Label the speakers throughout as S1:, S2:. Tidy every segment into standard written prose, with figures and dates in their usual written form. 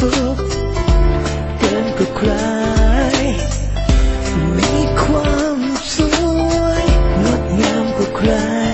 S1: สุขเกินกว่าใครมีความสวยงดงามกว่าใคร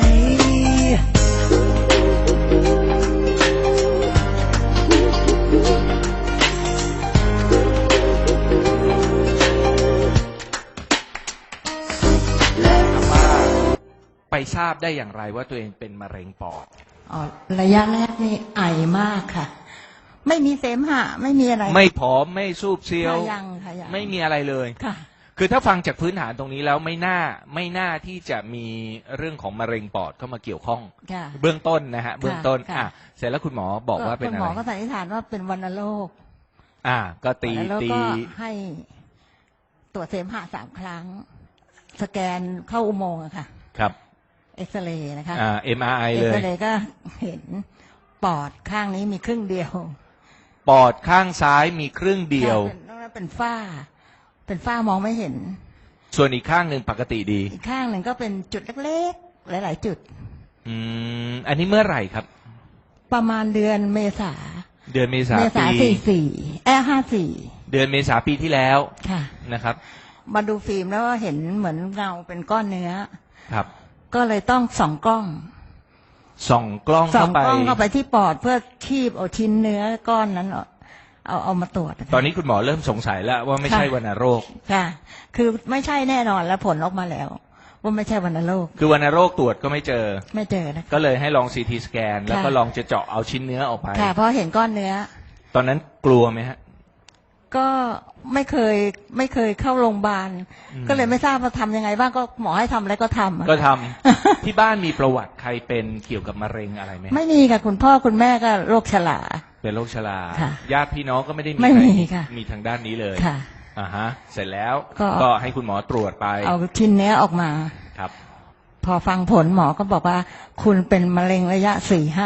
S2: ไปทราบได้อย่างไรว่าตัวเองเป็นมะเร็งปอด
S3: ระยะแรกนี่ไอมากค่ะไม่มีเสมหะไม่มีอะไร
S2: ไม่ผอมไม่ซูบเซียว
S3: ยังค่ะยัง
S2: ไม่มีอะไรเลย
S3: ค่ะ
S2: คือถ้าฟังจากพื้นฐานตรงนี้แล้วไม่น่าที่จะมีเรื่องของมะเร็งปอดเข้ามาเกี่ยวข้องเบื้องต้นนะฮะเบื้องต้นเสร็จแล้วคุณหมอบอกว่าเป็นอะไร
S3: คุณหมอก็สันนิษฐานว่าเป็นวัณโรค
S2: ก็ตี
S3: ให้ตรวจเสมหะ3 ครั้งสแกนเข้าอุโมงค์อะค่ะ
S2: ครับ
S3: เอ็กซเรย์นะคะ
S2: MRI เลย
S3: เอ็กซเรย์ก็เห็นปอดข้างนี้มีครึ่งเดียว
S2: ปอดข้างซ้ายมีครึ่งเดียว
S3: เป็นฝ้ามองไม่เห็น
S2: ส่วนอีกข้างหนึ่งปกติดี
S3: อีกข้างหนึ่งก็เป็นจุดเล็กๆหลายๆจุด
S2: อันนี้เมื่อไหร่ครับ
S3: ประมาณเดือนเมษา
S2: ปี
S3: 54เ
S2: ดือนเมษาปีที่แล้ว
S3: ค่ะ
S2: นะครับ
S3: มาดูฟิล์มแล้วเห็นเหมือนเงาเป็นก้อนเนื้อ
S2: ครับ
S3: ก็เลยต้องส่องกล้องเข้าไปที่ปอดเพื่อคีบเอาชิ้นเนื้อก้อนนั้นเอามาตรวจ
S2: ตอนนี้คุณหมอเริ่มสงสัยแล้วว่าไม่ใช่วัณโรค
S3: ค่ะคือไม่ใช่แน่นอนแล้วผลออกมาแล้วว่าไม่ใช่วัณโรค
S2: คือวัณโรคตรวจก็ไม่เจอ
S3: นะ
S2: ก็เลยให้ลองซีทีสแกนแล้วก็ลองจะเจาะเอาชิ้นเนื้อออกไป
S3: ค่ะเพราะเห็นก้อนเนื้อ
S2: ตอนนั้นกลัวไหมฮะ
S3: ก็ไม่เคยเข้าโรงพยาบาลก็เลยไม่ทราบว่าทำยังไงบ้างก็หมอให้ทำอะไรก็ท
S2: ำ ที่บ้านมีประวัติใครเป็นเกี่ยวกับมะเร็งอะไรไหม
S3: ไม่มีค่ะคุณพ่อคุณแม่ก็โรคชรา
S2: เป็นโรคชราญาติพี่น้องก็ไม่ได้มีทางด้านนี้เลย
S3: ค่ะ
S2: เสร็จแล้วก็ให้คุณหมอตรวจไป
S3: เอาชิ้นเนื้อออกมา
S2: ครับ
S3: พอฟังผลหมอก็บอกว่าคุณเป็นมะเร็งระยะ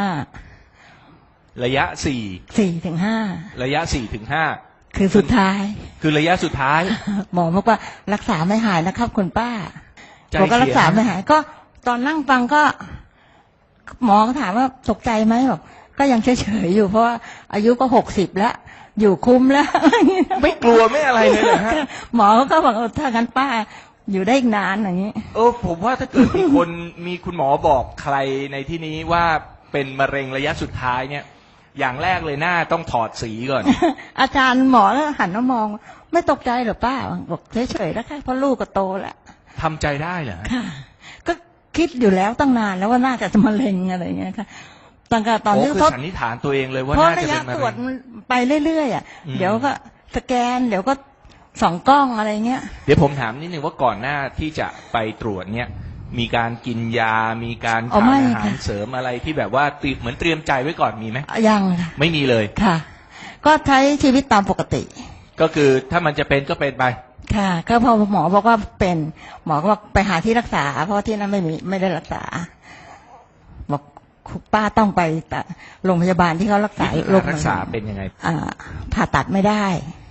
S2: ระยะ
S3: 4 ถึง 5
S2: ระยะ4 ถึง 5
S3: คือสุดท้าย
S2: คือระยะสุดท้าย
S3: หมอบอกว่ารักษาไม่หายนะครับคุณป้าผมก็รักษาไม่หายก็ตอนนั่งฟังก็หมอก็ถามว่าตกใจไหมบอกก็ยังเฉยๆอยู่เพราะว่าอายุก็60แล้วอยู่คุ้มแล้ว
S2: ไม่กลัวไม่อะไรเลยเหรอฮะ
S3: หมอก็บอกถ้างั้นป้าอยู่ได้อีกนานอย่างนี้
S2: ผมว่าถ้าเกิดมีคุณหมอบอกใครในที่นี้ว่าเป็นมะเร็งระยะสุดท้ายเนี่ยอย่างแรกเลยหน้าต้องถอดสีก่อน
S3: อาจารย์หมอแล้วหันมามองไม่ตกใจหรอป้าบอกเฉยๆแล้วค่ะเพราะลูกก็โตแล้ว
S2: ทำใจได้เหรอ
S3: ค่ะก็คิดอยู่แล้วตั้งนานแล้วว่าน่าจะมะเร็งอะไรอย่างเงี้ยค่ะตั้งแต่ตอนที่
S2: เขาสันนิษฐานตัวเองเลยว่าน่าจะเป็นมะเร็ง
S3: เพราะระยะตรวจไปเรื่อยๆเดี๋ยวก็สแกนเดี๋ยวก็ส่องกล้องอะไรเงี้ย
S2: เดี๋ยวผมถามนิดนึงว่าก่อนหน้าที่จะไปตรวจเนี่ยมีการกินยามีการทานอาหารเสริมอะไรที่แบบว่าเหมือนเตรียมใจไว้ก่อนมีไหม
S3: ยัง
S2: ไม่มีเลย
S3: ค่ะก็ใช้ชีวิตตามปกติ
S2: ก็คือถ้ามันจะเป็นก็เป็นไป
S3: ค่ะก็พอหมอบอกว่าเป็นหมอก็บอกไปหาที่รักษาเพราะที่นั้นไม่ได้รักษาบอกป้าต้องไปโรงพยาบาลที่เขารักษาโรค
S2: รักษาเป็นยังไง
S3: ผ่าตัดไม่ได้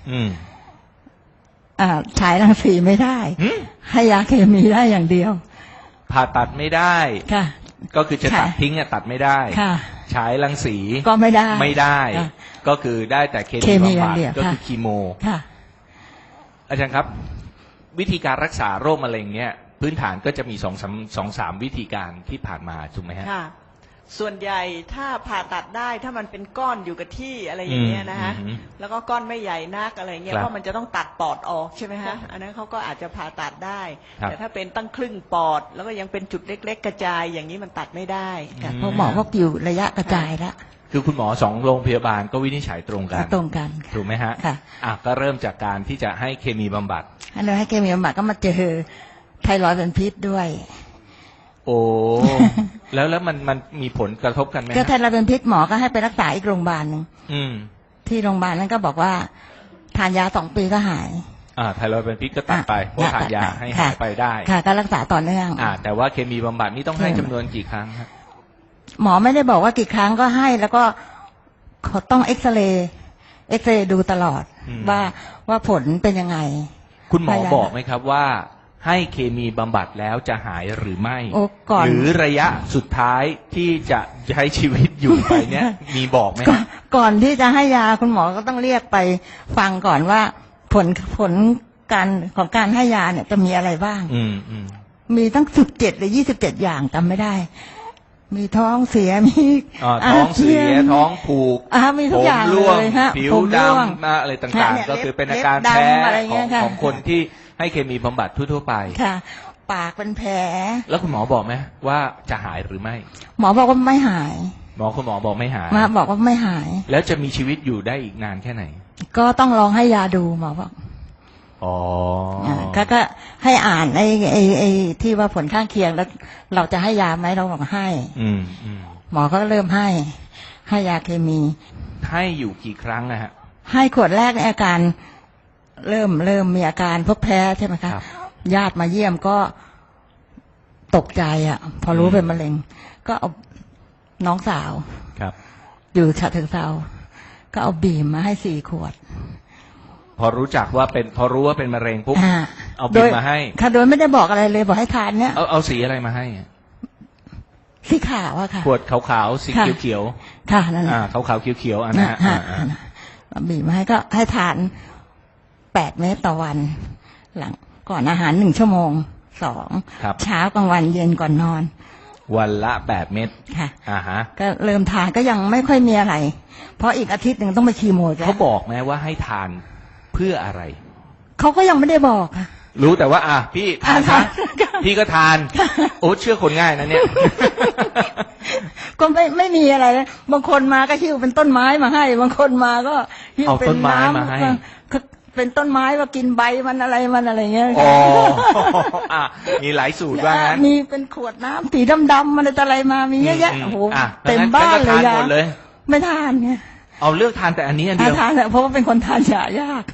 S3: ฉายรังสีไม่ได้ให้ยาเคมีได้อย่างเดียว
S2: ผ่าตัดไม่ได้
S3: ค่ะ
S2: ก็คือจะตัดทิ้งตัดไม่ได้
S3: ค่ะ
S2: ฉายรังสี
S3: ก็ไม่
S2: ได้ก็คือได้แต่เคมีบำบัดก็คือคีโม
S3: ค่ะ
S2: อาจารย์ครับวิธีการรักษาโรคมะเร็งเนี่ยพื้นฐานก็จะมี2-3 วิธีการที่ผ่านมาถูกไหมฮะ
S4: ค่ะส่วนใหญ่ถ้าผ่าตัดได้ถ้ามันเป็นก้อนอยู่กับที่อะไรอย่างเงี้ยนะฮะแล้วก็ก้อนไม่ใหญ่นักอะไรเงี้ยเพราะมันจะต้องตัดปอดออกใช่ไหมฮะอันนั้นเขาก็อาจจะผ่าตัดได้แต่ถ้าเป็นตั้งครึ่งปอดแล้วก็ยังเป็นจุดเล็กๆกระจายอย่างนี้มันตัดไม่ได้
S3: เพราะหมอก็อยู่ระยะกระจายแล้ว
S2: คือคุณหมอ2 โรงพยาบาลก็วินิจฉัยตรงกันถูกไหมฮะ
S3: ค่ะ
S2: ก็เริ่มจากการที่จะให้เคมีบำบัด
S3: ให้เคมีบำบัดก็มาเจอไทรอยด์เป็นพิษด้วย
S2: โอ้แล้วมันมีผลกระทบกันไหม
S3: ก็ไทรอยด์เป็นพิษหมอก็ให้ไปรักษาอีกโรงพยาบาลนึงที่โรงพยาบาลนั้นก็บอกว่าทานยา2 ปีก็หาย
S2: ไทรอยด์เป็นพิษก็ตัดไปเพราะทานยาให้หายไปได้
S3: ค่ะก็รักษาต่อเนื่อง
S2: แต่ว่าเคมีบำบัดนี่ต้องให้จำนวนกี่ครั้งครับ
S3: หมอไม่ได้บอกว่ากี่ครั้งก็ให้แล้วก็เขาต้องเอ็กซเรย์ดูตลอดว่าผลเป็นยังไง
S2: คุณหมอบอกไหมครับว่าให้เคมีบำบัดแล้วจะหายหรือไม่หรือระยะสุดท้ายที่จะใช้ชีวิตอยู่ไปเนี่ยมีบอกไหม
S3: ก่อนที่จะให้ยาคุณหมอก็ต้องเรียกไปฟังก่อนว่าผลการของการให้ยาเนี่ยจะมีอะไรบ้าง มีตั้ง17 หรือ 27 อย่างจำไม่ได้ มีท้องเสียมี
S2: ท้องเสียท้องผูก
S3: มีทุกอย่างเลยฮะ
S2: ผิวดำอะไรต่างๆก็คือเป็นอาการแพ้ของคนที่ให้เคมีบำบัดทั่วๆไป
S3: ค่ะปากเป็นแผล
S2: แล้วคุณหมอบอกไหมว่าจะหายหรือไม่
S3: หมอบอกว่าไม่หาย
S2: คุณหมอบอกไม่หาย
S3: บอกว่าไม่หาย
S2: แล้วจะมีชีวิตอยู่ได้อีกนานแค่ไหน
S3: ก็ต้องลองให้ยาดูหมอบอกก็ให้อ่านไอ้ที่ว่าผลข้างเคียงแล้วเราจะให้ยาไหมเราบอกให้หมอก็เริ่มให้ยาเคมี
S2: ให้อยู่กี่ครั้งนะฮะ
S3: ให้ขวดแรกในอาการเริ่มมีอาการพวกแพ้ใช่ไหมคะญาติมาเยี่ยมก็ตกใจพอรู้เป็นมะเร็งก็เอาน้องสาวอยู่ฉะเชิงเทราก็เอาบีมมาให้4 ขวด
S2: พอรู้ว่าเป็นมะเร็งปุ๊บเอาบีมมาให้
S3: ค่ะโดยไม่ได้บอกอะไรเลยบอกให้ทานเนี้ย
S2: เอาสีอะไรมาให้
S3: สีขาวค่ะ
S2: ขวดขาวๆสีเขียว
S3: ๆค่ะนั่น
S2: ขาวๆเขียวๆอันนั้น
S3: บีมมาให้ก็ให้ทาน8 เม็ดต่อวันหลังก่อนอาหาร1 ชั่วโมง2เช้ากลางวันเย็นก่อนนอน
S2: วันละ8 เม็ด
S3: ค่ะก็เริ่มทานก็ยังไม่ค่อยมีอะไรเพราะอีกอาทิตย์หนึ่งต้องไปคีโม
S2: เขาบอกไหมว่าให้ทานเพื่ออะไร
S3: เขาก็ยังไม่ได้บอกค่ะ
S2: รู้แต่ว่าพี่ทานพี่ก็ทานโอ้เชื่อคนง่ายนะเนี่ย
S3: ก็ไม่มีอะไรนะบางคนมาก็หิ้วเป็นต้นไม้มาให้บางคนมาก็หิ้วเป็นน้ำมาให้เป็นต้นไม้ว่ากินใบมันอะไรเงี้ย
S2: มีหลายสูตรว่างั้น
S3: มีเป็นขวดน้ำสีดำๆมันอะไรมามีเยอะแยะโอ้โหเต็มบ้านเลยไม่ทานไง
S2: เอาเลือกทานแต่อันนี้อันเดียว
S3: ทานเพราะว่าเป็นคนทานยายาก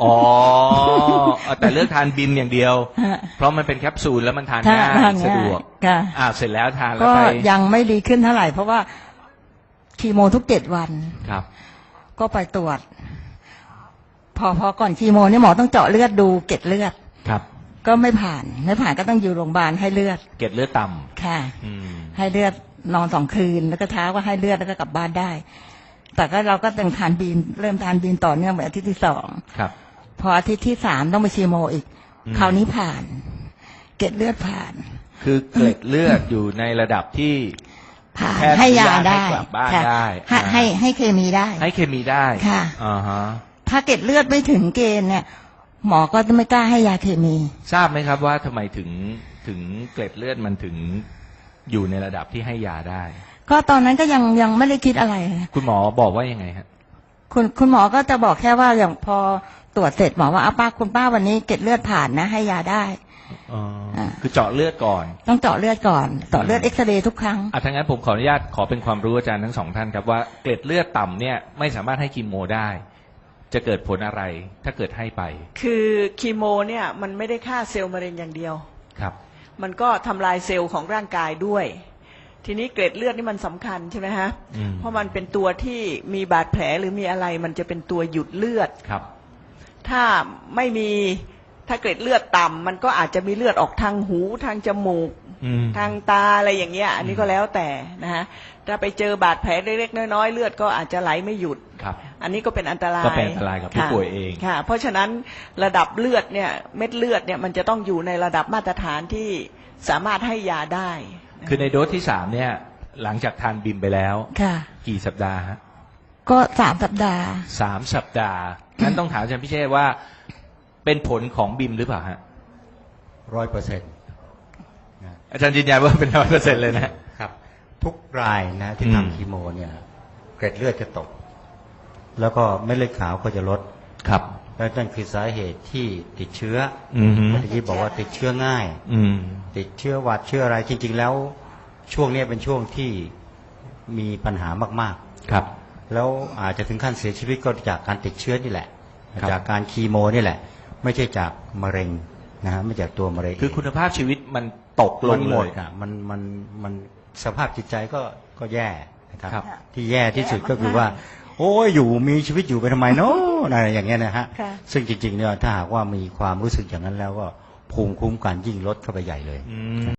S2: แต่เลือกทานบิมอย่างเดียวเพราะมันเป็นแคปซูลแล้วมันทานง่ายสะดวกเสร็จแล้วทานแล้ว
S3: ก็ยังไม่ดีขึ้นเท่าไหร่เพราะว่าคีโมทุก7 วัน
S2: ครับ
S3: ก็ไปตรวจพอก่อนคีโมเนี่ยหมอต้องเจาะเลือดดูเกล็ดเลือด
S2: ครับ
S3: ก็ไม่ผ่านก็ต้องอยู่โรงพยาบาลให้เลือด
S2: เกล็ดเลือดต่
S3: ำค่ะให้เลือดนอน2 คืนแล้วก็เช้าก็ให้เลือดแล้วก็กลับบ้านได้แต่ก็เราก็ต้องทานบีนเริ่มทานบีนต่อเนื่องไปอาทิตย์ที่2
S2: ครับ
S3: พออาทิตย์ที่3ต้องไปคีโมอีกคราวนี้ผ่านเกล็ดเลือดผ่าน
S2: คือเกล็ดเลือดอยู่ในระดับที่
S3: ผ่านให้ยาได้ให้เคมีได้
S2: ให้เคมีได้
S3: ค่ะถ้าเกล็ดเลือดไม่ถึงเกณฑ์เนี่ยหมอก็จะไม่กล้าให้ยาเคมี
S2: ทราบไหมครับว่าทำไมถึงเกล็ดเลือดมันถึงอยู่ในระดับที่ให้ยาได้
S3: ก็ตอนนั้นก็ยังไม่ได้คิดอะไร
S2: คุณหมอบอกว่ายังไงฮะ
S3: คุณหมอก็จะบอกแค่ว่าอย่างพอตรวจเสร็จหมอว่าคุณป้าวันนี้เกล็ดเลือดผ่านนะให้ยาได้
S2: คือเจาะเลือดก่อน
S3: ต้องเจาะเลือดก่อนเจาะเลือดเอ็กซเรย์ทุกครั้ง
S2: ทั้งนั้นผมขออนุญาตขอเป็นความรู้อาจารย์ทั้ง2 ท่านครับว่าเกล็ดเลือดต่ำเนี่ยไม่สามารถให้คีโมได้จะเกิดผลอะไรถ้าเกิดให้ไป
S4: คือคีโมเนี่ยมันไม่ได้ฆ่าเซลล์มะเร็งอย่างเดียว
S2: ครับ
S4: มันก็ทำลายเซลล์ของร่างกายด้วยทีนี้เกล็ดเลือดนี่มันสำคัญใช่ไหมฮะเพราะมันเป็นตัวที่มีบาดแผลหรือมีอะไรมันจะเป็นตัวหยุดเลือด
S2: ครับ
S4: ถ้าไม่มีถ้าเกล็ดเลือดต่ำมันก็อาจจะมีเลือดออกทางหูทางจมูกทางตาอะไรอย่างเงี้ยอันนี้ก็แล้วแต่นะฮะถ้าไปเจอบาดแผลเล็กๆน้อยๆเลือดก็อาจจะไหลไม่หยุด
S2: ครับ
S4: อันนี้ก็เป็นอันตราย
S2: ก็เป็นอันตรายกับผู้ป่วยเอง
S4: ค่ะเพราะฉะนั้นระดับเลือดเนี่ยเม็ดเลือดเนี่ยมันจะต้องอยู่ในระดับมาตรฐานที่สามารถให้ยาได้
S2: คือในโดสที่3เนี่ยหลังจากทานบิมไปแล้วกี่สัปดาห์ฮะ
S3: ก็3 สัปดาห์
S2: 3 สัปดาห์นั้นต้องถามอาจารย์พิเชษว่าเป็นผลของบิมหรือเปล่าฮะ
S5: 100%
S2: อาจารย์ยืนยันว่าเป็น 100% เลย
S5: นะครับทุกรายนะที่ทำคีโมเนี่ยเกล็ดเลือดจะตกแล้วก็เม็ดเลือดขาวก็จะลด
S2: ครับ
S5: และนั่นคือสาเหตุที่ติดเชื้อเมื่อกี้บอกว่าติดเชื้อง่ายติดเชื้อหวัดเชื้ออะไรจริงๆแล้วช่วงนี้เป็นช่วงที่มีปัญหามาก
S2: ๆครับ
S5: แล้วอาจจะถึงขั้นเสียชีวิตก็จากการติดเชื้อนี่แหละจากการคีโมนี่แหละไม่ใช่จากมะเร็งนะฮะไม่จากตัวมะเร็ง
S2: คือคุณภาพชีวิตมันตกลงเลย
S5: มันสภาพจิตใจก็แย่นะครับที่แย่ที่สุดก็คือว่าโอ้ยอยู่มีชีวิตอยู่ไปทำไมเนาะอะไรอย่างเงี้ยนะฮะซึ่งจริงๆเนี่ยถ้าหากว่ามีความรู้สึกอย่างนั้นแล้วก็ภูมิคุ้มกันยิ่งลดเข้าไปใหญ่เลย